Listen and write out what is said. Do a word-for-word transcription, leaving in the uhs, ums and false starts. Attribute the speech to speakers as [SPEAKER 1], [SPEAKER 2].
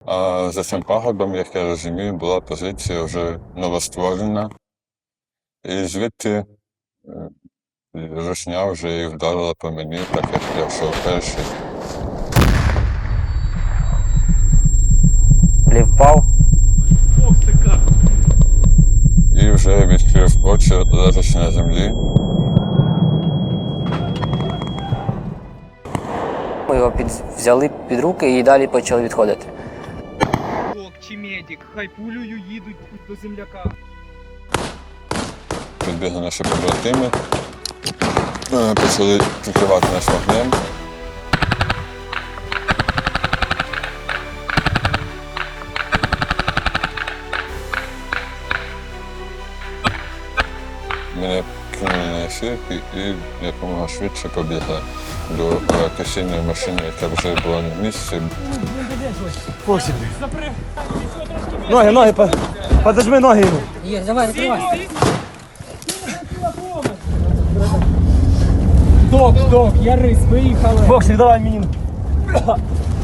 [SPEAKER 1] А за цим пагорбом, як я розумію, була позиція вже новостворена. І звідти е, русня вже і вдарила по мені, так як я йшов перший.
[SPEAKER 2] Лів впав.
[SPEAKER 1] І вже відкрив очі, лежачи на землі.
[SPEAKER 2] Ми його під, взяли під руки і далі почали відходити.
[SPEAKER 3] Док чи медик, хай пулею їдуть до земляка.
[SPEAKER 1] Підбігли наші побратими, е, почали прикривати нас вогнем. Мене кинули на ефірки і якомога швидше побігли до е, касійної машини, яка вже була на місці.
[SPEAKER 4] Посіб. Ноги, ноги, по- подожми ноги йому.
[SPEAKER 2] Є, давай, закривай.
[SPEAKER 3] Док, док, Ярис, виїхали.
[SPEAKER 4] Боксик, давай мені.